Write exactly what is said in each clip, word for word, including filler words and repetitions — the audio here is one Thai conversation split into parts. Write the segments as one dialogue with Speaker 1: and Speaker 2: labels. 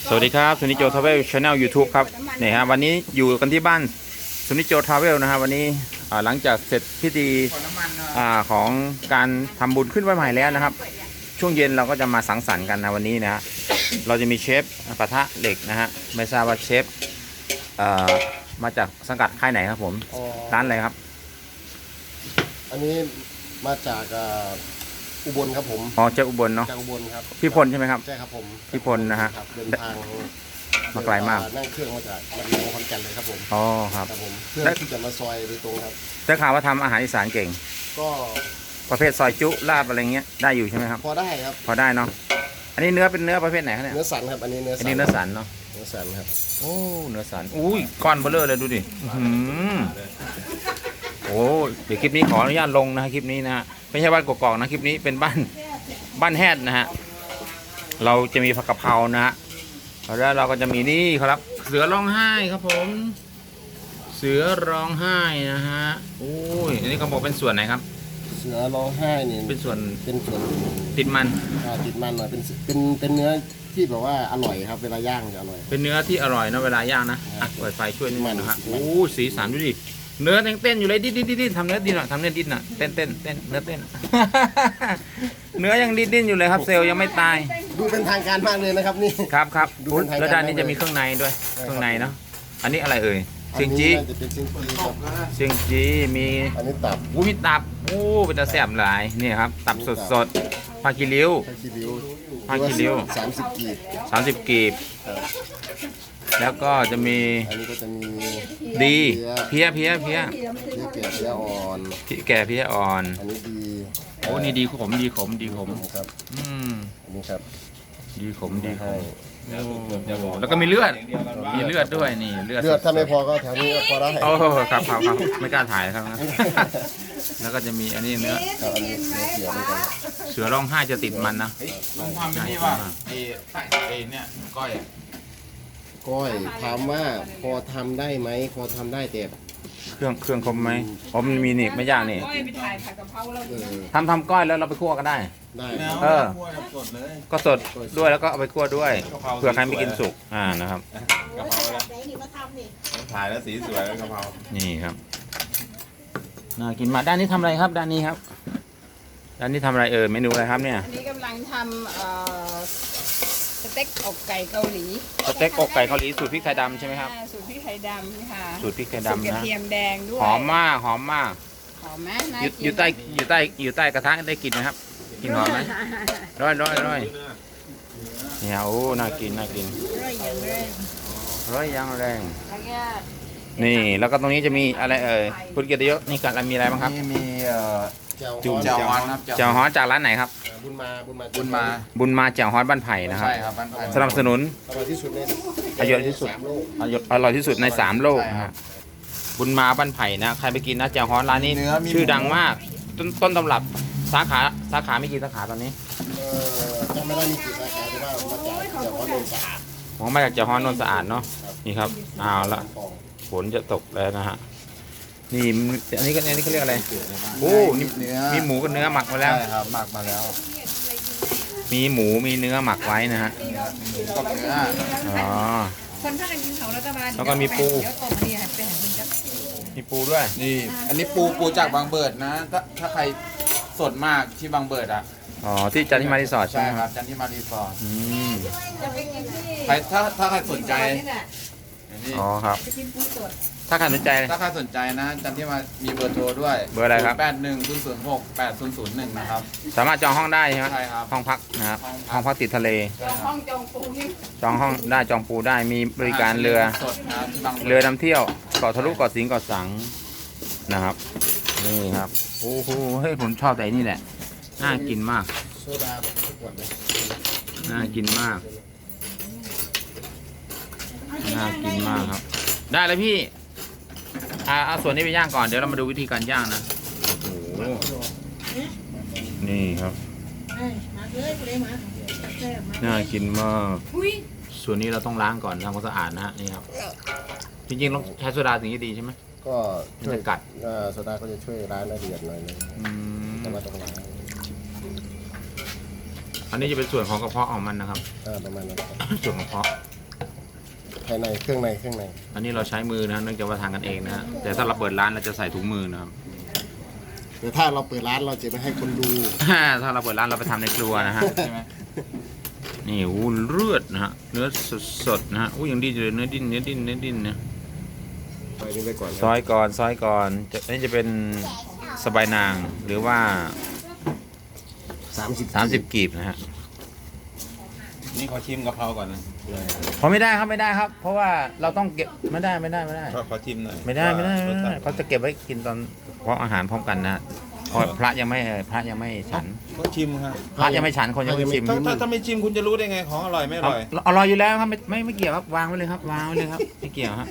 Speaker 1: สวัสดีครับสุนิจโจทราเวลชาแนลยูทูบครับนี่ฮะวันนี้อยู่กันที่บ้านสุนิจโจทราเวลนะฮะวันนี้หลังจากเสร็จพิธีของการทำบุญขึ้นวันใหม่แล้วนะครับช่วงเย็นเราก็จะมาสังสรรค์กันนะวันนี้นะฮะเราจะมีเชฟกระทะเหล็กนะฮะไม่ทราบว่าเชฟมาจากสังกัดค่ายไหนครับผมร้านอะไรครับ
Speaker 2: อันนี้มาจากอุบลครับผม
Speaker 1: อ๋อเจ้าอุบลเนาะ
Speaker 2: จากอุบลครับ
Speaker 1: พี่พลใช่ไหมครับ
Speaker 2: ใช่ครับผม
Speaker 1: พี่พลนะฮะ
Speaker 2: เดินทาง
Speaker 1: มาไกลมาก
Speaker 2: นั่งเครื่องมาจากลำพูนขอนแก่นเลยครับผม
Speaker 1: อ๋อครับ
Speaker 2: ผมเพื่อที่จะมาซอยโดยตรงครับ
Speaker 1: ได้ข่าวว่าทำอาหารอีสานเก่ง
Speaker 2: ก็
Speaker 1: ประเภทซอยจุลาบอะไรเงี้ยได้อยู่ใช่ไหมครับ
Speaker 2: พอได้ครับ
Speaker 1: พอได้เนาะอันนี้เนื้อเป็นเนื้อประเภทไหนครับเนี่ย
Speaker 2: เนื้อสันครับอันนี้เนื้อ
Speaker 1: อันนี้เนื้อสันเนาะ
Speaker 2: เนื้อสันครับ
Speaker 1: โอ้เนื้อสันอุ้ยก้อนเบลเลอร์เลยดูดิโอ้เดี๋ยวคลิปนี้ขออนุญาตลงนะคลิปนี้นะฮะไม่ใช่บ้านกอกๆนะคลิปนี้เป็นบ้านบ้านแฮดนะฮะเราจะมีผักกะเพรานะฮะแล้วเราก็จะมีนี่ครับเสือร้องไห้ครับผมเสือร้องไห้นะฮะโอ้ยอันนี้เขาบอกเป็นส่วนไหนครับ
Speaker 2: เสือร้องไห้นี่
Speaker 1: เป็นส่วน
Speaker 2: เป็นส่วน
Speaker 1: ติดมัน
Speaker 2: ติดมันหน่อยเป็นเป็นเป็นเนื้อที่แบบว่าอร่อยครับเวลาย่างจะอร่อย
Speaker 1: เป็นเนื้อที่อร่อยนะเวลาย่างนะอ่ะเปิดไฟช่วยนิดนึงนะฮะโอ้สีสันดูดิเนื้อเต้นอยู่เลยดิ้นดิ้นดิ้นทำเนื้อดิ้นหน่อยทำเนื้อดิ้นหน่อยเต้นเต้นเต้นเนื้อเต้นเนื้อยังดิ้นดิ้นอยู่เลยครับเซลล์ยังไม่ตาย
Speaker 2: ดูเป็นทางการมากเลยนะครับนี่
Speaker 1: ครับครับแล้วด้านนี้จะมีเครื่องในด้วยเครื่องในเนาะอันนี้อะไรเอ่ยเชียงจีเชียงจีมี
Speaker 2: อันนี้ตับ
Speaker 1: วูมีตับโอ้เป็นตาแซ่บหลายนี่ครับตับสดสดผ้าคีริ้วผ้าคีริ้ว
Speaker 2: สามสิบกีบ
Speaker 1: สามสิบกีบแล้วก็จะมี
Speaker 2: อันนี้ก็จะมี
Speaker 1: ดีเพี้ยเพี้ยเพี้ย
Speaker 2: เพี้ยแก่เพี้ยอ่อน
Speaker 1: ที่แก่เพี้ยอ่อน
Speaker 2: อันนี้ดี
Speaker 1: โอ้นี่ดีขมดีขมดีขม
Speaker 2: ครับ
Speaker 1: อืม
Speaker 2: อันนี้ครับ
Speaker 1: ดีขมดีขมแล้วก็มีเลือดมีเลือดด้วยนี่เลือด
Speaker 2: เลือดถ้าไม่พอก็แถวนี้พอได้
Speaker 1: โอ้ครับครับครับไม่กล้าถ่ายครับนะแล้วก็จะมีอันนี้เนื้อ
Speaker 2: อันนี้เนื้อเสือเหมือนกัน
Speaker 1: เสือร้องไห้จะติดมันนะ
Speaker 3: ลองทำเป็นนี่ว่าไอ้ไอ้เนี่ยก้อย
Speaker 2: ก้อยถามว่าพอทำได้ไหมพอทำได้แต่
Speaker 1: เครื่องเครื่องคมไหมอ๋อมันมีนี่ไม่ยากนี่
Speaker 4: ก้อยไปถ่ายผัดกะเพราแล้ว
Speaker 1: ทำทำก้อยแล้วเราไปคั่วก็ได้
Speaker 2: ได้
Speaker 1: เออก็สดด้วยแล้วก็เอาไปคั่วด้วยเผื่อใครไม่กินสุกอ่านะครับ
Speaker 3: กะเพราแล้วถ่ายแล้วสีสวยแล้วกะเพรา
Speaker 1: นี่ครับน่ากินมากด้านนี้ทำอะไรครับด้านนี้ครับด้านนี้ทำอะไรเออเมนูอะไรครับเนี่ย
Speaker 4: อันนี้กำลังทำเอ่อสเต็กอกไก่เกาหลี
Speaker 1: สเต็กอกไก่เกาหลีสูตรพริกไทยดำใช่ไหมครับ
Speaker 4: สูตรพริกไทยดำค่ะ
Speaker 1: สูตรพริกไทยดำนะ
Speaker 4: กระเทียมแดงด้วย
Speaker 1: หอมมากหอมมาก
Speaker 4: หอมไหม
Speaker 1: อยู่ใต้อยู่ใต้อยู่ใต้กระทะได้กลิ่นนะครับกลิ่นหอมไหมร้อยร้อยร้อยเนี่ยโอ้น่ากินน่ากิน
Speaker 4: ร้อยอย่างแรง
Speaker 1: ร้อยอย่างแรงนี่แล้วก็ตรงนี้จะมีอะไรเอ่ยคุณเกียรติยศนี่กันมีอะไรบ้างครับ
Speaker 3: มี
Speaker 1: จุ่ม
Speaker 3: เจ้าฮอนครับ
Speaker 1: เจ้าฮอนจากร้านไหนครับ
Speaker 2: บุญมาบุญมา
Speaker 3: บุญมา
Speaker 1: บุญมาเจ้าฮอนบ้านไผ่นะครับ
Speaker 3: ใช่ครับบ้านไผ่
Speaker 1: สนับสนุน
Speaker 2: อร่อยที่สุดใน
Speaker 1: อร่อยที่สุดอร่อยที่สุดในสามโลกนะฮะบุญมาบ้านไผ่นะใครไปกินนะเจ้าฮอนร้านนี้ชื่อดังมากต้นต้นตำรับสาขาสาขาไม่กี่สาขาตอนนี้
Speaker 2: เออจะไม่ได้มีกี่สาขาแต่ว่ามาจากเจ้าฮอนนนท์สะอาด
Speaker 1: ผมมาจากเจ้าฮอนนนท์สะอาดเนาะนี่ครับเอาละฝนจะตกแล้วนะฮะนี่อันนี้ก็อันนี้เขาเรียกอะไรโอ้นี่มีหมูกับเนื้อหมักมาแล้ว
Speaker 3: ใช่ครับหมักมาแล้ว
Speaker 1: มีหมูมีเนื้อหมักไว้นะฮะ
Speaker 3: หมูกับเนื้อ
Speaker 1: อ๋อ
Speaker 4: คนถ้ากันกินเขาแล้วก็มา
Speaker 1: แล้วก็มีปูมีปูด้วย
Speaker 3: นี่อันนี้ปูปูจากบางเบิดนะถ้าถ้าใครสดมากที่บางเบิดอ่ะ
Speaker 1: อ๋อที่จันทิมารีสอร์ท
Speaker 3: ใช่ครับจันทิมารีสอร์ท
Speaker 1: อืม
Speaker 3: ใครถ้าถ้าใครสนใจ
Speaker 1: อ๋อครับถ้าใครสนใจ
Speaker 3: ถ้าใครสนใจนะจันที่มามีเบอร์โทรด้วย
Speaker 1: เบอร์อะไรครับ
Speaker 3: แปดหนึ่งศูนย์ศูนย์หกแปดศูนย์ศูนย์หนึ่งนะครับ
Speaker 1: สามารถจองห้องได้ใช่ไหม
Speaker 3: ใช่ครับ
Speaker 1: ห้องพักนะครับห้องพักติดทะเล
Speaker 4: จองห้องจองปูนี่
Speaker 1: จองห้องได้จองปูได้มีบริการเรือเรือนำเที่ยวเกาะทะลุเกาะสิงห์เกาะสังนะครับนี่ครับโอ้โหเฮ้ยผมชอบแต่นี่แหละน่ากินมาก
Speaker 2: โซดาแบบขวดเลย
Speaker 1: น่ากินมากน่ากินมากครับได้เลยพี่อ่าเอาส่วนนี้ไปย่างก่อนเดี๋ยวเรามาดูวิธีการย่างนะโอ้โหนี่ครับน่ากินมากส่วนนี้เราต้องล้างก่อนทำความสะอาดนะฮะนี่ครับจริงๆต้องใช้โซดาถึงจะดีใช่ไหม
Speaker 2: ก็
Speaker 1: มันจะกัด
Speaker 2: โซดาก็จะช่วยล้างละเอียดหน่อยนึงแต่ว่าต้องล้าง
Speaker 1: อันนี้จะเป็นส่วนของกระเพาะของมันนะครับ
Speaker 2: ประมาณนั้น
Speaker 1: ส่วนกระเพาะ
Speaker 2: ภายในเครื่องในเครื่องใน
Speaker 1: อันนี้เราใช้มือนะเนื่องจากว่าทานกันเองนะฮะแต่ถ้าเราเปิดร้านเราจะใส่ถุงมือนะครับ
Speaker 2: แต่ถ้าเราเปิดร้านเราจะไม่ให้คนดู
Speaker 1: ถ้าเราเปิดร้านเราไปทำในครัวนะฮะ
Speaker 3: ใช่ไหม
Speaker 1: นี่อู้เลือดนะฮะเนื้อสดๆนะฮะอู้ยังดีอยู่เลยเนื้อดิ้นเนื้อดิ้นเนื้อดิ้นนะ
Speaker 2: ไปนี่ไปก่อน
Speaker 1: ซอยก่อนซอยก่อนจะนี่จะเป็นสบายนางหรือว่า
Speaker 2: สามสิบ
Speaker 1: สามสิบกีบนะฮะ
Speaker 3: นี่ขอชิมกะเพราก่อนนะ
Speaker 1: เพราะไม่ได้ครับไม่ได้ครับ เพราะว่าเราต้องเก็บไม่ได้ไม่ได้ไม่ได้
Speaker 3: ขอขอชิมหน่อย
Speaker 1: ไม่ได้ไม่ได้ไม่ได้
Speaker 3: รสชาติ
Speaker 1: เขาจะเก็บไว้กินตอนเพราะอาหารพร้อมกันนะเพราะพระยังไม่พระยังไม่ฉัน
Speaker 3: ก็ชิมครับ
Speaker 1: พระยังไม่ฉันคนยังไม่ชิม
Speaker 3: ถ้าถ้าถ้าไม่ชิมคุณจะรู้ได้ไงของอร่อยไม่อ
Speaker 1: เอา
Speaker 3: ร่อย
Speaker 1: อร่อยอยู่แล้วครับไม่ไม่ไม่เกี่ยวครับวางไว้เลยครับวางไว้เลยครับไม่เกี่ยวครับ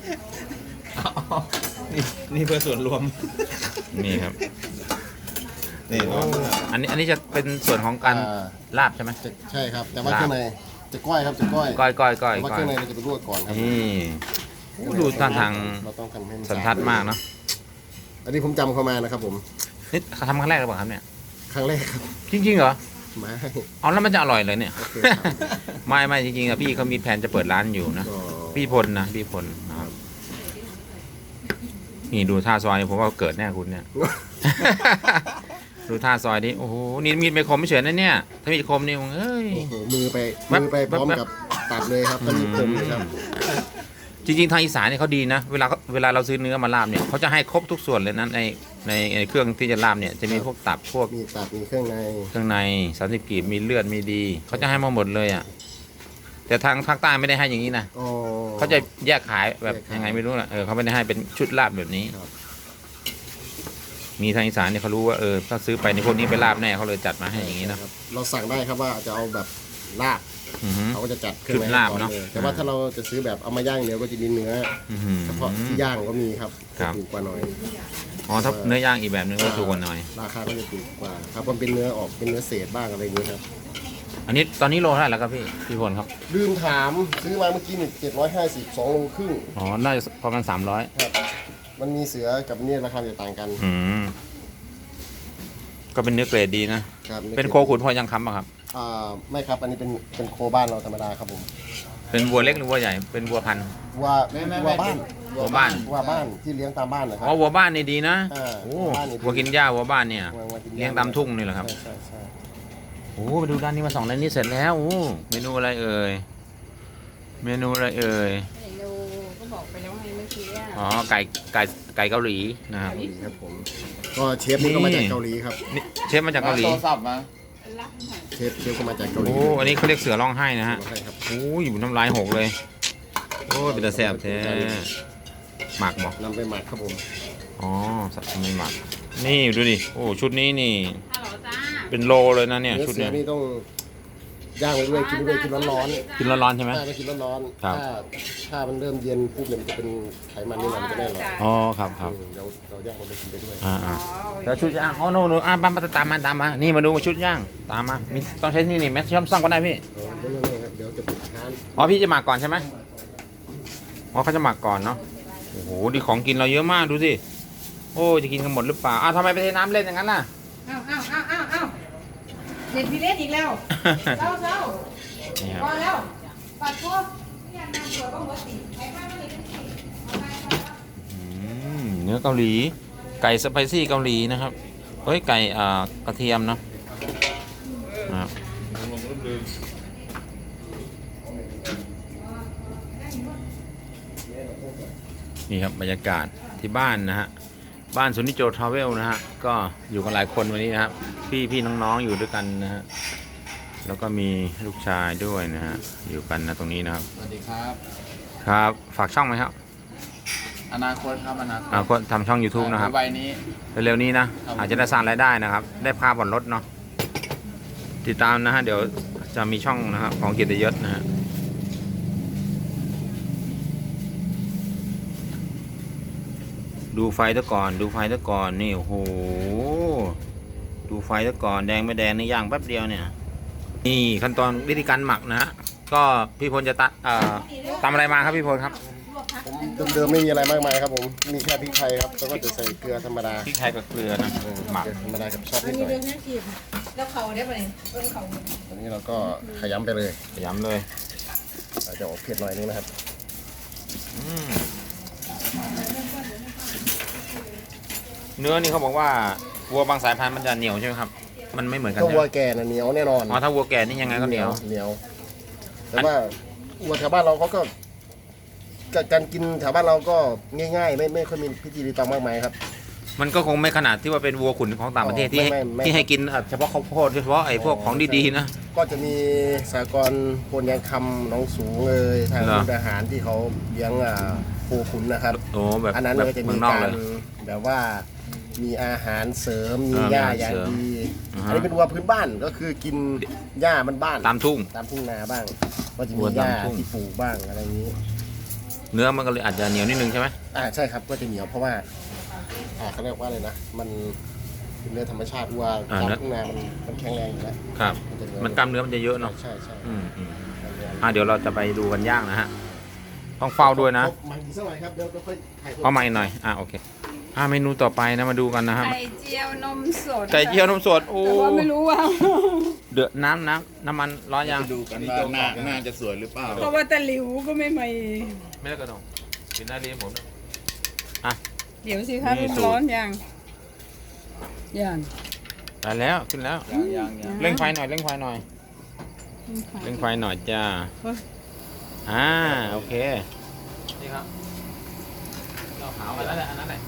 Speaker 3: นี่นี่เพื่อส่วนรวม
Speaker 1: นี่ครับ
Speaker 3: นี่ร้อนมาก
Speaker 1: อันนี้อันนี้จะเป็นส่วนของการลาบใช่ไหม
Speaker 2: จะใช่ครับ แต่ว่าเครื่องในจะก้อยครับจะก้อย
Speaker 1: ก้อยก้อยก้อย
Speaker 2: แต่ว่า
Speaker 1: ก้อ
Speaker 2: เค
Speaker 1: ย
Speaker 2: รื่องในเราจะไปลวกก่อนครับ
Speaker 1: นี่โอ้ดูท่าทาง
Speaker 2: เราต้องทำให้มัน
Speaker 1: สันทัดมากเนาะ
Speaker 2: อันนี้ผมจำเข้ามานะครับผม
Speaker 1: นี่ทำครั้งแรกหรือเปล่าครับเนี่ย
Speaker 2: ครั้งแรกครับ
Speaker 1: จริงๆเหรอ
Speaker 2: ไม่
Speaker 1: อ๋อแล้วมันจะอร่อยเลยเนี่ย
Speaker 2: โอเคครับ
Speaker 1: ไม่ไม่จริงๆอะพี่เขามีแผนจะเปิดร้านอยู่นะ
Speaker 2: ก็
Speaker 1: พี่พลนะพี่พลนะครับนี่ดูท่าซอยผมว่าเกิดแน่คุณเนี่ย ดูท่าซอยนี้โอ้โหนี่มีดไม่คมไม่เฉยนะเนี่ยถ้ามีดคมนี่มึงเอ้ย
Speaker 2: โอ้โหมือไป
Speaker 1: แว๊บ
Speaker 2: มือไปพร้อม
Speaker 1: แว๊บ
Speaker 2: กับตัดเลยครับตอนนี้ผมเลยครับ
Speaker 1: จริงๆทางอีสานเนี่ยเขาดีนะเวลาเขาเวลาเราซื้อเนื้อมาลาบเนี่ยเขาจะให้ครบทุกส่วนเลยนะในในในเครื่องที่จะลาบเนี่ยจะมีพวกตับพวก
Speaker 2: มีตัดมีเครื่องใน
Speaker 1: เครื่องในสามสิบกีบมีเลือดมีดีเขาจะให้มาหมดเลยอ่ะแต่ทางภาคใต้ไม่ได้ให้อย่างนี้นะ
Speaker 2: อ๋อ
Speaker 1: เขาจะแยกขายแบบ
Speaker 2: แยกขาย
Speaker 1: ยังไงไม่รู้นะเออเขาไม่ได้ให้เป็นชุดลาบแบบนี้
Speaker 2: ครับ
Speaker 1: มีทางอีสานเนี่ยเขารู้ว่าเออถ้าซื้อไปในพวกนี้ไปลาบแน่เขาเลยจัดมาให้อย่างนี้นะ
Speaker 2: ครับเราสั่งได้ครับว่าจะเอาแบบลาบ
Speaker 1: อือหือ
Speaker 2: เขาก็จะจัดเครื่องใน
Speaker 1: ชุดลาบ
Speaker 2: ให้ก่อ
Speaker 1: เนอะ
Speaker 2: ลยแต่ว่าถ้าเราจะซื้อแบบเอามาย่างเดียวก็จะมีเนื้อ
Speaker 1: อื้อหือ
Speaker 2: เฉพาะที่ย่างก็มีครับ
Speaker 1: ครับ
Speaker 2: ถูกกว่าหน่อย
Speaker 1: อ๋อถ้าเนื้อย่างอีกแบบนึงก็ถูกกว่าหน่อย
Speaker 2: ราคาก็จะถูกกว่าครับมันเป็นเนื้อออกเป็นเนื้อเศษบ้างอะไรอย่างนี้ครับ
Speaker 1: อันนี้ตอนนี้โลเท่าไหร่แล้วครับพี่พี่พลครับ
Speaker 2: ลืมถามซื้อมาเมื่อกี้นี่เจ็ดร้อยห้าสิบสองโลครึ่ง
Speaker 1: อ๋อน่าจะประมาณสามร้อย
Speaker 2: ครับ มันมีเสือกับเนี่ยราคาจะต่างกัน
Speaker 1: อืมก็เป็นเนื้อเกรดดีนะ
Speaker 2: ครับ
Speaker 1: เป็นโคขุนพอยังคำป่ะครับ
Speaker 2: อ่าไม่ครับอันนี้เป็นเป็นโคบ้านเราธรรมดาครับผม
Speaker 1: เป็นวัวเล็กหรือวัวใหญ่เป็นวัวพันธุ์
Speaker 2: วัววัวบ้าน
Speaker 1: วัวบ้าน
Speaker 2: วัวบ้านที่เลี้ยงตามบ้านนะครั
Speaker 1: อ๋อวัวบ้านนี่ดีนะ
Speaker 2: อ่า
Speaker 1: โอ้
Speaker 2: วัวบ้านนี่ดี
Speaker 1: วัวกินหญ้าวัวบ้านเนี่ย
Speaker 2: วัววัวกินหญ้
Speaker 1: เลี้ยงตามทุ่งนี่เหรอครับ
Speaker 2: ใช่ใช่ใช่
Speaker 1: โอ้ไปดูด้านนี้มาสองด้านนี้เสร็จแล้วโอ้เมนูอะไรเอ่ยเมนูอะไรเอ่ย
Speaker 4: เมนูก็บอกไปแล้วไงเมื่อกี้อะ
Speaker 1: อ๋อไก่ไก่ไก่เกาหลีนะครับ
Speaker 2: เกาหลีครับผมก็เชฟนี่ก็มาจากเกาหลีครับ
Speaker 1: นี่เชฟมาจากเกาหลี
Speaker 3: โทรศัพท์มา
Speaker 4: รับหน่อย
Speaker 2: เชฟเชฟก็มาจากเกาหลี
Speaker 1: โอ้อันนี้เขาเรียกเสือร้องไห้นะฮะ
Speaker 2: ใช่ครับ
Speaker 1: โอ้ยอยู่น้ำลายหกเลยโอ้ยเป็นตาแซ่บแท้หมักบอก
Speaker 2: นำไปหมักครับผม
Speaker 1: อ๋อสัตว์ไม่หมักนี่ดูดิโอ้ชุดนี้นี่
Speaker 4: ฮัลโหลจ้า
Speaker 1: เป็นโลเลยนะเนี่ย
Speaker 2: เนื้อ
Speaker 1: ชุด
Speaker 2: เสือ
Speaker 1: เนี้ย
Speaker 2: นี่ต้องย่างไปด้วยกินไปด้วยกินร้อน
Speaker 1: กินร้อนๆใช่ไหม
Speaker 2: ๆถ้าไม่กินร้อน
Speaker 1: ครับ
Speaker 2: ๆถ้าถ้ามันเริ่มเย็นปุ๊บเนี่ยมันจะเป็นไขมันนี่มันจะไม่อร่อย
Speaker 1: อ๋อครับครับ
Speaker 2: อืมเราเราย่างมันไปกินไปด้วย
Speaker 1: อ่าอ่า
Speaker 4: อ๋อ
Speaker 1: แล้วชุดย่างอ๋อโน่นโน่นอ่ะบ้านมาตามมาตามมานี่มาดูชุดย่างตามมามีต้องใช้นี่นี่แมสช่อมซ่องก็ได้พี่
Speaker 2: เออไม่ไม่ไม่ครับเดี๋ยวจะปิดร้าน
Speaker 1: อ๋อพี่จะหมักก่อนใช่ไหมอ๋อเขาจะหมักก่อนเนาะโอ้โหดีของกินเราเยอะมากดูสิโอ้จะกินกันหมดหรือเปล่าอ้าวทำไมไปเทน้ำเล่นอย่างนั้นล่ะ
Speaker 4: เอ้าเอ้าเอ้าเอ้าเอ้าเด็ดพี่เล่นอีกแล้วเจ้าเจ้า
Speaker 1: นี่ครับ
Speaker 4: พอแล้วปัดพวกอยากนำตัวก็หัวสีไอ้ข้าวไม่ได้สีเอาไปเอาไป
Speaker 1: อืมเนื้อเกาหลี ไก่สไปซี่เกาหลีนะครับเฮ้ยไก่อ่ากระเทียมเนาะนะครับนี่ครับบรรยากาศที่บ้านนะฮะบ้านสุนิโจทราเวลนะฮะก็อยู่กันหลายคนวันนี้นะครับพี่พี่น้องๆอยู่ด้วยกันนะฮะแล้วก็มีลูกชายด้วยนะฮะอยู่กันนะตรงนี้นะครับ
Speaker 3: สวัสดีครับ
Speaker 1: ครับฝากช่องไหมครับ
Speaker 3: อนาคตครับอนาคต
Speaker 1: อ่าก็ทำช่อง YouTube นะครับ
Speaker 3: วัยนี้
Speaker 1: เร็วๆนี้นะ
Speaker 3: ครับ
Speaker 1: อาจจะได้สร้างรายได้นะครับ ได้ค่าผ่อนรถเนาะติดตามนะฮะเดี๋ยวจะมีช่องนะครับของเกียรติยศนะฮะดูไฟตะก่อนดูไฟตะก่อนนี่โอ้โหดูไฟตะก่อนแดงไม่แดงนี่ย่างแป๊บเดียวเนี่ยนี่ขั้นตอนวิธีการหมักนะฮะก็พี่พลจะตัดเอ่อตำอะไรมาครับพี่พลครับ
Speaker 2: ผมเดิมๆไม่มีอะไรมากมายครับผมมีแค่พริกไทยครับแล้วก็จะใส่เกลือธรรมดา
Speaker 1: พริกไทยกับเกลือนะ
Speaker 2: เออ
Speaker 1: หมัก
Speaker 2: เกลือธรรมดากับซอส
Speaker 4: มั
Speaker 2: นิ
Speaker 4: น
Speaker 2: ดห
Speaker 4: มี
Speaker 2: น่อย
Speaker 4: เรื่องน่ากินแล้วเขาได้ปะเนี่ยเออเขา
Speaker 2: ตอนนี้เราก็ขยำไปเลย
Speaker 1: ย้ำเลย
Speaker 2: อาจจะออกเผ็ดหน่อยนึงนะครับ
Speaker 1: อืมเนื้อนี่เขาบอกว่าวัวบางสายพันธุ์มันจะเหนียวใช่ไหมครับมันไม่เหมือนกัน
Speaker 2: ถ้า
Speaker 1: ใช่
Speaker 2: วั
Speaker 1: ไห
Speaker 2: ว
Speaker 1: ม
Speaker 2: แก่น่ะเหนียวแน่นอน
Speaker 1: อ๋อถ้าวัวแก่นี่ยังไงก็เหนียว
Speaker 2: เหนียวแต่ว่าวัวแถวบ้านเราเขาก็การกินแถวบ้านเราก็ง่ายๆ ไม่ไม่ค่อยมีพิธีรีตองมากมายครับ
Speaker 1: มันก็คงไม่ขนาดที่ว่าเป็นวัวขุนของต่างประเทศที่
Speaker 2: ไม่ไม่ไม่
Speaker 1: ที่ให้กินเฉพาะข้าวโพดเฉพาะไอ้พวกของดีๆนะ
Speaker 2: ก็จะมีสากรณ์โพนยางคำหน้องสูงเลยทาง
Speaker 1: เหรอ
Speaker 2: มุกดาหารที่เขาเลี้ยงอ่าโคขุนนะครับ
Speaker 1: โอ้แบบ
Speaker 2: อันนั้น
Speaker 1: แบบ
Speaker 2: ก็จะ
Speaker 1: เมื
Speaker 2: มี
Speaker 1: องนอก
Speaker 2: กา
Speaker 1: เล
Speaker 2: ร
Speaker 1: ย
Speaker 2: แบบว่ามีอาหารเสริมมี
Speaker 1: เออ
Speaker 2: หญ้า
Speaker 1: มีอาหาร
Speaker 2: อย่าง
Speaker 1: เสริม
Speaker 2: ดี
Speaker 1: อ่าฮะ
Speaker 2: อันนี้เป็นวัวพื้นบ้านก็คือกินหญ้ามันบ้าน
Speaker 1: ตามทุ่ง
Speaker 2: ตามทุ่งนาบ้าง ก็จะ
Speaker 1: วั
Speaker 2: มี
Speaker 1: ว
Speaker 2: หญ้า
Speaker 1: ตามทุ่ง
Speaker 2: ที่ปลูกบ้างอะไรอย่างนี้
Speaker 1: เนื้อมันก็เลยอาจจะเหนียวนิดนึงใช่ไหม
Speaker 2: อ่าใช่ครับก็จะเหนียวเพราะว่าอ่าเขาเรียกว่าอะไรนะมันเป็นเนื้อธรรมชาติวัวตามทุ่งนามันมันแข็งแรงอยู่แล้ว
Speaker 1: ครับ
Speaker 2: มันจะเหนียว
Speaker 1: มันกล้ามเนื้อมันจะเยอะเนาะ
Speaker 2: ใช่ใช่
Speaker 1: อืมอืมอ่ะเดี๋ยวเราจะไปดูกันย่างนะฮะต้องเฝ้าด้วยนะ
Speaker 2: มันสักหน่อยครับเดี๋ยวเดี๋ยวค่อยถ่าย
Speaker 1: เข้ามาอีกหน่อยอ่ะโอเคอ่ะเมนูต่อไปนะมาดูกันนะครับ
Speaker 4: ไข่เจียวนมสด
Speaker 1: ไก่เจียวนมสดโอ้
Speaker 4: แต่ว่าไม่รู้ว่า
Speaker 1: เดือดน้ำน้ำน้ำมันร้อนยัง
Speaker 3: ดูกันว่าหน้าหน้าจะสวยหรือเปล่า
Speaker 4: เพราะว่าตะหลิวก็ไม่มี
Speaker 1: ไม่ได้กระดองกินได้เลยผมนะ
Speaker 4: เดี๋ยวสิคะ
Speaker 1: นี่
Speaker 4: มัน
Speaker 1: สูตร
Speaker 4: ร้อนยังยัง
Speaker 1: ได้แล้วขึ้นแล้ว
Speaker 3: ยังยังยัง
Speaker 1: เร่งไฟหน่อยเร่งไฟหน่อยเร่งไฟหน่อยจ้าอ่าโอเคนี่ครับเราขาวไปแล้วแหละอันนั้นแหละ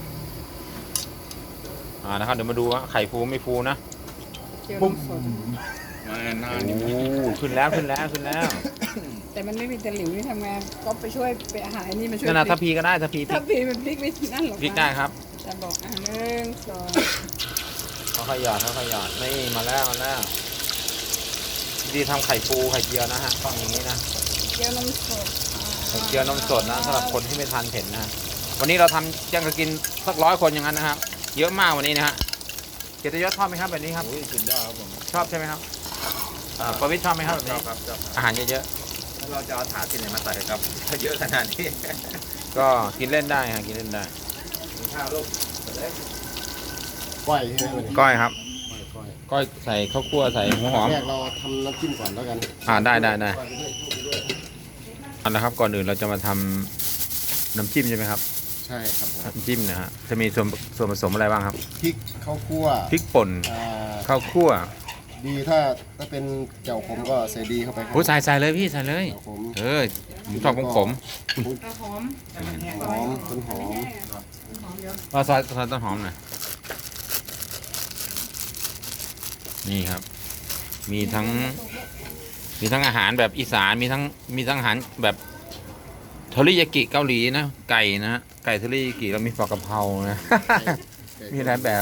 Speaker 1: อ่านะครับเดี๋ยวมาดูว่าไข่ฟูไม่ฟูนะ
Speaker 4: เจียวนมสด
Speaker 3: มาหน้า
Speaker 1: โอ้
Speaker 3: นี่มัน
Speaker 1: ขึ้นแล้วขึ้นแล้วขึ้นแล้ว
Speaker 4: แต่มันไม่มีตะหลิวนี่ทำไงก็ไปช่วยไปหาไอ้นี่มาช่วย
Speaker 1: นั่นนะ
Speaker 4: พ
Speaker 1: ถ้า
Speaker 4: ลิก
Speaker 1: พีก็ได้ถ้าพีพริ
Speaker 4: ถ้าก พีมันพลิกไม่นั่นหรอก
Speaker 1: พริกได้ครับ
Speaker 4: จะบอกอ่ะหนึ่งสอง
Speaker 1: เขาขยอดเขาขยอดนี่มาแล้วมาแล้วดีทำไข่ฟูไข่เจียวนะฮะต้องอย่างนี้นะ
Speaker 4: เจียวนมสด
Speaker 1: ไข่เจียวนมสดนะสำหรับคนที่ไม่ทานเผ็ดนะฮะวันนี้เราทำยังจะกินสักร้อยคนอย่างนั้นนะครับเยอะมากวันนี้นะฮะเกียรติยศชอบไหมครับแบบนี้ครับ
Speaker 3: โอ้ยสุดยอดครับผม
Speaker 1: ชอบใช่ไหมครับอ่าประวิตรชอบไหมครับแบบ
Speaker 3: ชอ
Speaker 1: นี้
Speaker 3: บครับชอบครับ
Speaker 1: อาหารเยอะ
Speaker 3: แล้วเราจะเอาถาดที่ไหนมาใส่ครับถ้าเยอะขนาดนี้
Speaker 1: ๆก็กินเล่นได้ฮะกินเล่นได้
Speaker 3: กินข้าวลูก
Speaker 2: ก้อยใช่ไหมวันนี้
Speaker 1: ก้อยครับ
Speaker 2: ก้อย
Speaker 1: ก้อยใส่ข้าวคั่วใส่หัวหอม
Speaker 2: แรกเราทำน้ำจิ้มก่อนแล้วกัน
Speaker 1: อ่าได้ได้ได้
Speaker 2: ก้อยปด้วยพูดไปด้วย
Speaker 1: เอาละครับก่อนอื่นเราจะมาทำน้ำจิ้มใช่ไหมครับ
Speaker 2: ใช่ครับผม
Speaker 1: น้ำจิ้มนะฮะจะมีส่วนส่วนผสมอะไรบ้างครับ
Speaker 2: พริกข้าวคั่ว
Speaker 1: พริกป่น
Speaker 2: อ่า
Speaker 1: ข้าวคั่ว
Speaker 2: ดีถ้าถ้าเป็นเจ้าขมก็ใส่ดีเข้าไปครับ
Speaker 1: โอ้ใส่ใส่เลยพี่ใส่เลย
Speaker 2: เจ้าขม
Speaker 1: เออผมชอบของผม
Speaker 4: กระหอม
Speaker 2: หอมต้นหอม
Speaker 1: ว่าซอยซอยต้นหอมหน่อยนี่ครับ มีทั้ง มีทั้งอาหารแบบอีสานมีทั้งมีทั้งอาหารแบบเทอริยากิเกาหลีนะไก่นะฮะไก่เทอริยากิแล้วมีปลากระเพรานะ มีหลายแบบ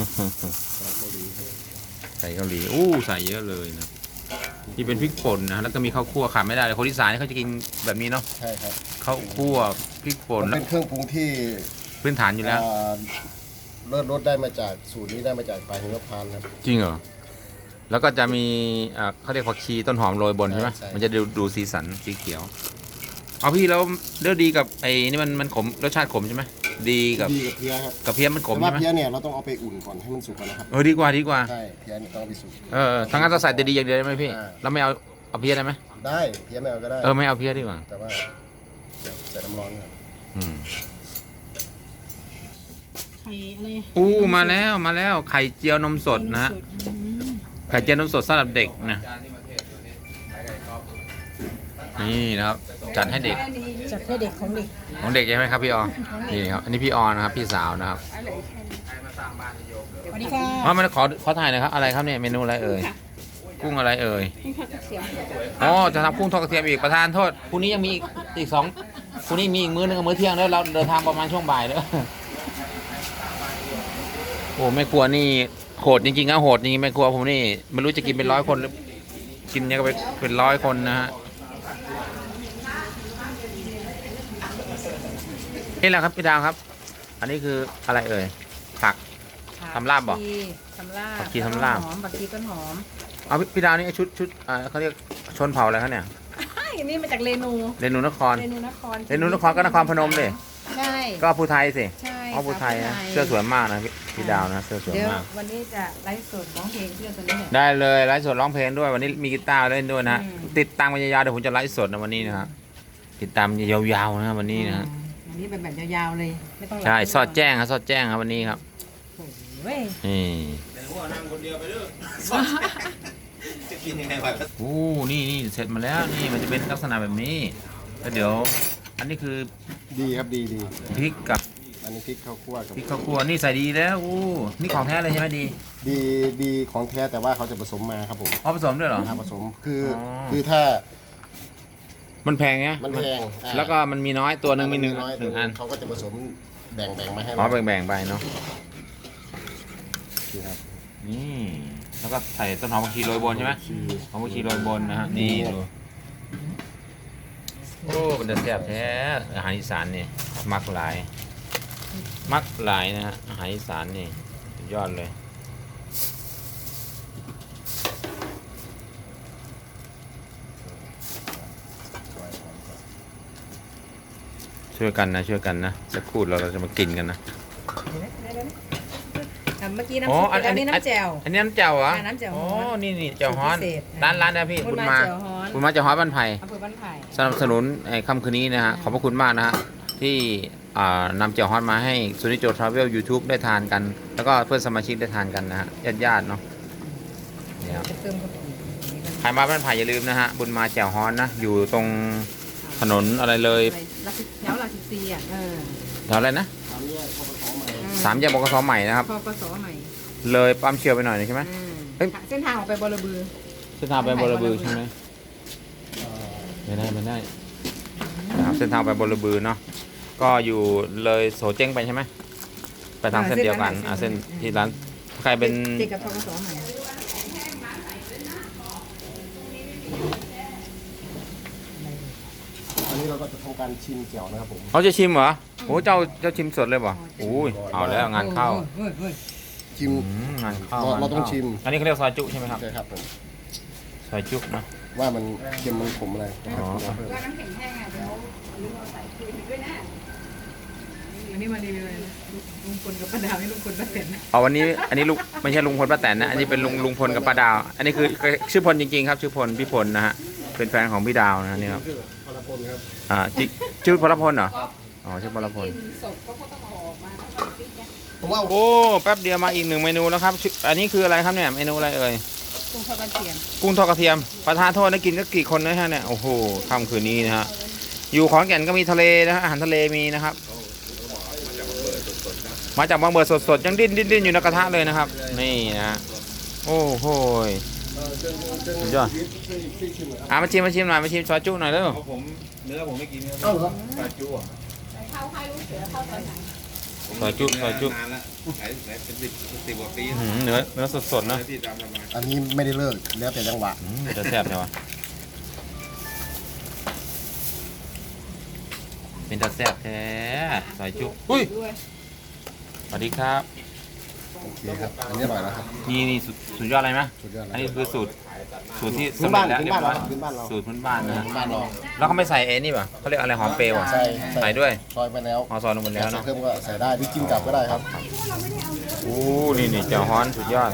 Speaker 1: ไก่เกาหลีอู้ใส่เยอะเลยนะที่เป็นพริกป่นนะแล้วก็มีข้าวคั่วขาดไม่ได้เลยคนอีสานนี่เขาจะกินแบบนี้เนาะ
Speaker 2: ใช่ครับ
Speaker 1: ข้าวคั่วพริกป่น
Speaker 2: มัน
Speaker 1: แล้ว
Speaker 2: เป็นเครื่องปรุงที่
Speaker 1: พื้นฐานอยู่แล้ว
Speaker 2: อ่าเลิศรสได้มาจากสูตรนี้ได้มาจากปลาหิมพานต์ครับ
Speaker 1: จริงเหรอแล้วก็จะมีอ่าเขาเรียกผักชีต้นหอมโรยบนใช่ไหม
Speaker 2: ใช่
Speaker 1: มันจะดูดูสีสันสีเขียวเอาพี่แล้วเลือดดีกับไอ้นี่มันมันขมรสชาติขมใช่ไหมดีกับ
Speaker 2: ดีกับเพี้ยครับ
Speaker 1: กับเพี้ยมันขม
Speaker 2: แต่ว่า
Speaker 1: ใช่ไหม
Speaker 2: เพี้ยเนี่ยเราต้องเอาไปอุ่นก่อนให้มันสุกก่อนนะครับ
Speaker 1: เออดีกว่าดีกว่า
Speaker 2: ใช่เพี้ยเนี่ยต้องเอาไปสุก
Speaker 1: เออทั้งนั้นเราใส่แต่ดีอย่างเดียวได้ไหมพี่
Speaker 2: อ่า
Speaker 1: เราไม่เอาเอาเพี้ยได้ไหม
Speaker 2: ได้เพี้ยไม่เอาก็ได้
Speaker 1: เออไม่เอาเพี้ยดีกว่า
Speaker 2: แต่ว่าเดี๋ยวใส่น้ำร้อนก่อน
Speaker 1: อืม
Speaker 4: ไข่อะไร
Speaker 1: อู้มาแล้วมาแล้วไข่เจียวนมสดนะฮะไข่เจียวนมสดสำหรับเด็กนะนี่นะครับจัดให้เด็ก
Speaker 4: จัดให้เด็กของเด็ก
Speaker 1: ของเด็กใช่ไหมครับพี่ออนี่ครับอันนี้พี่ออนะครับพี่สาวนะครับ
Speaker 4: สวัสดีค่ะ
Speaker 1: อ๋อมันขอขอถ่ายหน่อยครับอะไรครับเนี่ยเมนูอะไรเอ่ยกุ้งอะไรเอ่ย
Speaker 4: นี่ค่ะเสียง
Speaker 1: อ๋อจะทำกุ้งทอดกระเทียมอีกประธานโทษพรุ่งนี้ยังมีอีกอีกสองพรุ่งนี้มีอีกมื้อนึงกับมื้อเที่ยงแล้วเราเดินทางประมาณช่วงบ่ายเด้อโอ้แม่ครัวนี่โหดจริงๆนะโหดจริงๆแม่ครัวผมนี่ไม่รู้จะกินเป็นร้อยคนหรือกินเนี่ยก็เป็นร้อยคนนะฮะนี่แหละครับพี่ดาวครับ อันนี้คืออะไรเอ่ยผัก ทำลาบบ่
Speaker 4: ทำลาบ
Speaker 1: ผักชีทำลาบ
Speaker 4: หอมผักชีต้นหอม
Speaker 1: เอาพี่พี่ดาวนี่ชุดชุดอ่าเขาเรียกชนเผ่าอะไรเขาเนี่ย
Speaker 4: ไอ้นี่มาจากเรนู
Speaker 1: เรนูนคร
Speaker 4: เรนูนคร
Speaker 1: เรนูนครก็นครพนมเลย
Speaker 4: ใช่
Speaker 1: ก็ภูไทยสิ
Speaker 4: ใช่
Speaker 1: อ๋อภูไทยนะ
Speaker 4: ค่ะ
Speaker 1: เสื้อสวยมากนะพี่พี่ดาวนะเสื้อสวย
Speaker 4: เดี๋ยว
Speaker 1: มาก
Speaker 4: วันนี้จะไลฟ์สดร้องเพลงเพื่อตัวนี้เนี่ย
Speaker 1: ได้เลยไลฟ์สดร้องเพลงด้วยวันนี้มีกีตาร์เล่นด้วยนะฮะ
Speaker 4: อืม
Speaker 1: ติดตังค์ยาวๆเดี๋ยวผมจะไลฟ์สดในวันนี้นะครับติดตามยาวๆนะครับวันนี้นะฮะ
Speaker 4: อันนี้เป็นแบบยาวๆเลยไม่ต้องหลับ
Speaker 1: ใช่สอดแจ้งครับสอดแจ้งครับวันนี้ครับ
Speaker 4: เว้ย
Speaker 1: นี่
Speaker 3: แต่ว่านั่งคนเดียวไปเด้อจะกินยังไงวะ
Speaker 1: โอ้นี่นี่เสร็จมาแล้วนี่มันจะเป็นลักษณะแบบนี้แล้วเดี๋ยว อันนี้คือ
Speaker 2: ดีครับดีดี
Speaker 1: พริกกับ
Speaker 2: อันนี้พริกข้าวคั่วกับ
Speaker 1: พริกข้าวคั่วนี่ใส่ดีแล้วโอ้นี่ของแท้เลยใช่ไหมดี
Speaker 2: ดีดีของแท้แต่ว่าเขาจะผสมมาครับผม
Speaker 1: อ๋อผสมด้วยเหรอ
Speaker 2: ถ้าผสมคืออ
Speaker 1: อ
Speaker 2: คือถ้า
Speaker 1: มันแพงไง
Speaker 2: มันแพงอ่า
Speaker 1: แล้วก็มันมีน้อยตัวหนึ่งมีหนึ่ง
Speaker 2: น้อย
Speaker 1: หนึ่งอัน
Speaker 2: เขาก็จะผสมแบ่งแบ่งมาให้
Speaker 1: อ๋อ
Speaker 2: เรา
Speaker 1: แบ่งๆไปเนาะ
Speaker 2: นี่ครับ
Speaker 1: นี่แล้วก็ใส่ต้นหอมผักชีโรยบนใช่ไหมหอมผักชีโรยบนนะฮะนี่ดูโอ้เป็นแต่แซ่บแท้อาหารอีสานนี่มักหลาย มักหลายนะฮะอาหารอีสานนี่สุดยอดเลยช่วยกันนะช่วยกันนะจะพูดเราเราจะมากินกันนะ
Speaker 4: อ่ะเมื่อกี้
Speaker 1: อ๋อ
Speaker 4: น้ำซุป
Speaker 1: อัน
Speaker 4: อัน
Speaker 1: นี้
Speaker 4: นี้น้ำแจ่ว
Speaker 1: อันนี้น้ำเจ้าเหรอ
Speaker 4: อ่าน้ำแจ่วฮ้
Speaker 1: อ๋
Speaker 4: อ
Speaker 1: อน นี่นี่เจ้าฮ้อน
Speaker 4: สูตรพิเศษ
Speaker 1: ร้านร้านนะพี่
Speaker 4: บุ
Speaker 1: คุณ
Speaker 4: ญ
Speaker 1: มา
Speaker 4: มาแจ่วฮ้อน
Speaker 1: คุณมาเจ้าฮ้อนบ้านไผ่
Speaker 4: อำเภอบ้านไผ่
Speaker 1: สนับสนุนไอ้ค่ำคืนนี้นะฮะขอบพระคุณมากนะฮะที่อ่านำเจียวฮอนมาให้ซูนิโจทราเวลยูทูบได้ทานกัน แล้วก็เพื่อนสมาชิกได้ทานกันนะฮะญาติญาติๆเนาะเนี่ย
Speaker 4: จะเติมกะปิ
Speaker 1: ใครมาบ้านไผ่อย่าลืมนะฮะบุญมาเจียวฮอนนะอยู่ตรงถนนอะไรเลย
Speaker 4: อะไรลักษแถวหลักสิบสี่อ่ะเออ
Speaker 1: แถวอะไรนะ
Speaker 2: ตามนี้เขาผสมมา
Speaker 1: สามแยกบกสใหม่นะครับ
Speaker 4: พอปสใหม่
Speaker 1: เลยปั๊มเชียวไปหน่อยหนึ่งใช่ไหม
Speaker 4: อืม
Speaker 1: เอ้ย
Speaker 4: เส้นทางออกไปบรบือ
Speaker 1: เส้นทางไปบรบือใช่ไหมไม่ได้ไม่ได้นะครับเส้นทางไปบรบือเนาะก็อยู่เลยโสเจ้งไปใช่ไหมไปทางเส้นเดียวกันอ่ะเส้นที่ร้านใครเป็น
Speaker 4: ติดกับพปสใหม่
Speaker 2: อันนี้เราก็จะทำการชิมแจ่วนะครับผม
Speaker 1: เขาจะชิมเหรอโอ้เจ้าเจ้าชิมสดเลยเปล่ะอุ้ยเอาแล้วงานเข้า
Speaker 4: เฮ้ยเฮ้ย
Speaker 2: ชิม
Speaker 1: อืมงานเข้า
Speaker 2: เราเราต้องชิม
Speaker 1: อันนี้เขาเรียกซอยจุใช่ไหมครับ
Speaker 2: ใช่ครับผม
Speaker 1: ซอยจุนะ
Speaker 2: ว่ามันเค็มมันขมอะไรนะครับ
Speaker 1: อ๋อ
Speaker 2: เพิ่ม
Speaker 4: ก็น้ำแข็งแห้งอ่ะเดี๋ยวลุงเอาใส่คุยด้วยนะอันนี้มารีวิวเลยนะลุงพลกับป้าดาวให้ลุงพลป้าแตน
Speaker 1: เอาวันนี้อันนี้ลุงไม่ใช่ลุงพลป้าแตนนะอันนี้เป็นลุงลุงพลกับป้าดาว อันนี้คือชื่อพลจริงๆครับ ชื่อพลพี่พลนะฮะเป็นแฟนของพี่ดาวนะนี่ครับ
Speaker 2: ชื่อพลพลครับ
Speaker 1: อ่าจิชื่อพลพลเหรออ๋อชื่อพลพล
Speaker 4: ศพก็ต้องเอาออกมาแล้วก็ฟิกเนี่ย
Speaker 2: ผมว่า
Speaker 1: โอ้แป๊บเดียวมาอีกหนึ่งเมนูแล้วครับชื่ออันนี้คืออะไรครับเนี่ยเมนูอะไรเอ่ย
Speaker 4: กุ้งทอดกระเทียม
Speaker 1: กุ้งทอดกระเทียมประทานโทษนะกินก็กี่คนนะฮะเนี่ยโอ้โหค่ำคืนนี้นะฮะอยู่ขอนแก่นก็มีทะเลนะฮะอาหารทะเลมีนะครับ มาจากบางเบิดสดๆยังดิ้นดิ้นดิ้นอยู่ในกระทะเลยนะครับ นี่นะฮะโอ้โหยสุดยอดอ่ะมาชิมมาชิมหน่อยมาชิมซอยจุหน่อยเร็ว
Speaker 3: ผมเนื้อผมไม่กินเนื้อ
Speaker 2: เอ้าเหรอ
Speaker 3: ปลาจุ่ะ
Speaker 4: เข้าให้ลูกเสือเข้าตอนไหน
Speaker 1: ซอยจุซอยจุ
Speaker 3: นานแล้วหลายหลายเป็นสิบสิบกว่าปี
Speaker 1: อื้อหือเนื้อเนื้อสดๆนะ
Speaker 3: เนื้อที่ตามทำมา
Speaker 2: อันนี้ไม่ได้เลิกแล้วแต่จังหวะ
Speaker 1: อืมจะแซ่บใช่ปะเป็นตาแซ่บแท้ซอยจุอุ้ย
Speaker 4: ด้วย
Speaker 1: สวัสดีครับ
Speaker 2: โอเคครับอันนี้อร่อยแล้วครับ
Speaker 1: นี่นี่สุดสุดยอดอะไรไหม
Speaker 2: สุดยอด
Speaker 1: อัน
Speaker 2: แล้ว
Speaker 1: นี้คือสูตรสูตรที่
Speaker 2: พื้
Speaker 1: สำ
Speaker 2: น
Speaker 1: เร็
Speaker 2: บ้า
Speaker 1: จ
Speaker 2: น
Speaker 1: แล้ว
Speaker 2: พื้
Speaker 1: เรี
Speaker 2: น
Speaker 1: ยบ
Speaker 2: บ้าน
Speaker 1: ร้อย
Speaker 2: เราพื้นบ้านเรา
Speaker 1: สูตรพื้นบ้านนะฮะ
Speaker 2: บ้านเรา
Speaker 1: แล้วเขาไม่ใส่เอ็นี่ป่ะเขาเรียกอะไรหอมเปรย์ป่ะ
Speaker 2: ใส่
Speaker 1: ใส่ด้วย
Speaker 2: ซอยไปแล้ว
Speaker 1: เอาซอยลงไปแล้ว
Speaker 2: ใส่
Speaker 1: เนาะ
Speaker 2: เพิ่มก็ใส่ได้หรือกินกลับก็ได้ครับ
Speaker 1: โอ้นี่นี่เจ้าฮ้อนสุดยอด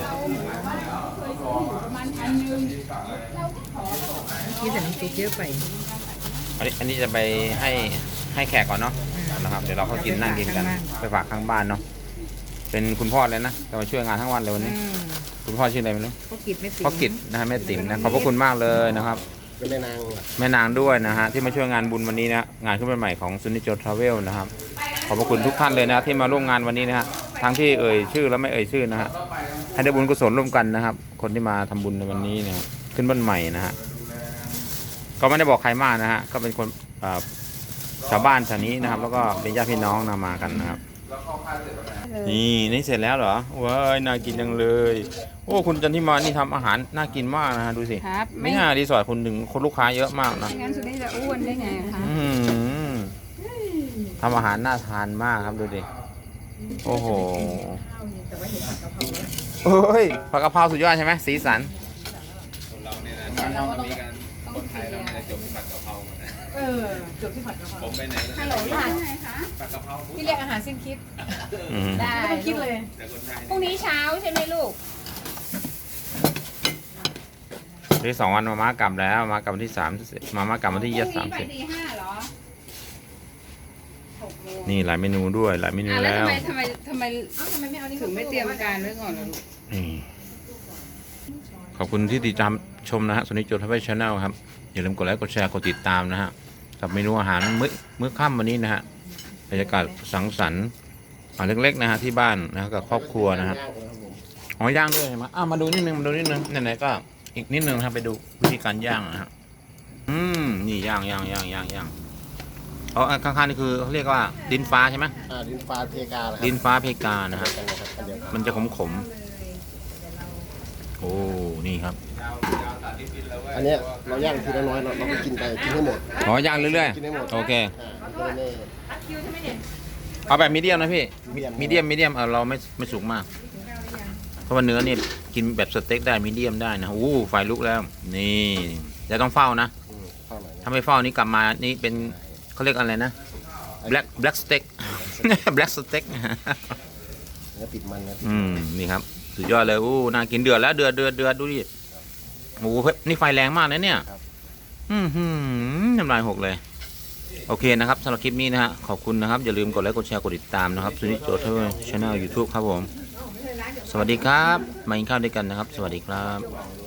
Speaker 4: นี่แต่น้ำซุปเยอะไป
Speaker 1: อันนี้อันนี้จะไปให้ให้แขกก่อนเนาะนะครับเดี๋ยวเราก็กินนั่งกินกันไปฝากข้างบ้านเนาะเป็นคุณพ่อเลยนะจะมาช่วยงานทั้งวันเลยวันนี้
Speaker 4: อืม
Speaker 1: คุณพ่อชื่ออะไรไม่รู้
Speaker 4: พ่อกิจไม่ติด
Speaker 1: พ่อกิจนะฮะแม่ติ๋มนะขอบพระคุณมากเลยนะครับ
Speaker 2: เป็นแม่นาง
Speaker 1: แม่นางด้วยนะฮะที่มาช่วยงานบุญวันนี้นะงานขึ้นวันใหม่ของซุนิโจทราเวลนะครับขอบพระคุณทุกท่านเลยนะที่มาร่วมงานวันนี้นะฮะทั้งที่เอ่ยชื่อและไม่เอ่ยชื่อนะฮะให้ได้บุญกุศลร่วมกันนะครับ คนที่มาทำบุญในวันนี้เนะขึ้นบ้านใหม่นะฮะก็ไม่ได้บอกใครมากนะฮะก็เป็นคนเอ่อชาวบ้านแถวนี้นะครับ แล้วก็เป็นญาติพี่น้องนะมากันนะครับนี่นี่เสร็จแล้วเหรอว้ายน่ากินจังเลยโอ้คุณจันทิมานี่ทำอาหารน่ากินมากนะฮะดูสิ
Speaker 4: ครับ
Speaker 1: ไม่น่ารีสอร์ทคุณถึงคนลูกค้าเยอะมากนะ
Speaker 4: ไม่งั้นสุดนี้จะอ้วนได้ไงคะ
Speaker 1: อื้อหือทำอาหารน่าทานมากครับดูดิ โอ้โหเฮ้ยผักกะเพราสุดยอดใช่ไหมสีสัน
Speaker 3: คนเราเนี่ยนะการทำมีการคนไทยเราเนี่ยจบที่ผัดกะเพราหมดนะ
Speaker 4: เออจบที่ผัดกะเพ
Speaker 3: ผ
Speaker 4: ราม
Speaker 3: ไปไหนก็
Speaker 4: ฮัลโหลทานไงคะ
Speaker 3: ผัดกะเพรา
Speaker 4: พี่เรียกอาหารสิ้นคิด
Speaker 1: อืม
Speaker 4: ได้ไม่ต้องคิดเลย
Speaker 3: แต่คนไทย
Speaker 4: พรุ่งนี้เช้าใช่ไหมลูก
Speaker 1: ที่สองวันมามากลับแล้วมากลับวันที่สามมามากลับวันที่ยี่สิบสาม
Speaker 4: ไป
Speaker 1: สิบ
Speaker 4: ตีห้าเหรอ
Speaker 1: นี่หลายเมนูด้วยหลายเมนู
Speaker 4: อ่ะแล้ว
Speaker 1: แล้ว
Speaker 4: ทำไมทำไมทำไมทำไมไม่เอานี่ถึงไม่เตรียมการไว้ก่อนล่ะลูก
Speaker 1: นี่ขอบคุณที่ติดตามชมนะฮะสนิทโจทย์ชาแนลครับอย่าลืมกดไลค์กดแชร์กดติดตามนะฮะกับเมนูอาหารมื้อมื้อค่ำวันนี้นะฮะบรรยากาศสังสรรค์อ่าเล็กๆนะฮะที่บ้านนะฮะกับครอบครัวนะฮะอ๋อย่างด้วยใช่ไหมอ้าวมาดูนิดนึงมาดูนิดนึงไหนๆก็อีกนิดนึงนะครับไปดูวิธีการย่างนะฮะอืมนี่ย่างย่างย่างย่างย่างเอาอันข้างๆนี่คือเขาเรียกว่าดินฟ้าใช่ไหม
Speaker 2: อ่าดินฟ้าเพกาเหรอครับ
Speaker 1: ดินฟ้าเพกานะฮะ
Speaker 2: กันนะครับอันเดียวกัน
Speaker 1: มันจะขมๆโอ้นี่ครับ
Speaker 2: อันเนี้ยเราย่างทีละน้อยเราเราก็กินไปกินให้หมด
Speaker 1: อ๋อย่างเรื่อย
Speaker 2: กินให้หมด
Speaker 1: ๆโอเค
Speaker 2: อ่ามันก็เลยไม่
Speaker 1: เอาแบบมีเดียมนะพี่
Speaker 2: medium
Speaker 1: มีเดียมมีเดียมเออเราไม่ไม่สุกมาก เพราะว่าเนื้อเนี่ยกินแบบสเต็กได้มีเดียมได้นะอู้ไฟลุกแล้ว นี่จะต้องเฝ้านะ
Speaker 2: อืมเข้าหน่อยนะ
Speaker 1: ถ้าไม่เฝ้านี่กลับมานี่เป็นเขาเรียกอะไรนะ black black steak black steak
Speaker 2: เนื้อติดมันนะ
Speaker 1: อืมนี่ครับสุดยอดเลยอู้น่ากินเดือดแล้วเดือดเดือดเดือดดูดิโอ้โหนี่ไฟแรงมากนะเนี่ยอืมหืมน้ำลายหกเลย โอเคนะครับสำหรับคลิปนี้นะฮะขอบคุณนะครับ อย่าลืมกดไลค์กดแชร์กดติดตามนะครับสุนิจโจทย์ชาแนลยูทูบครับผม สวัสดีครับ มากินข้าวด้วยกันนะครับ สวัสดีครับ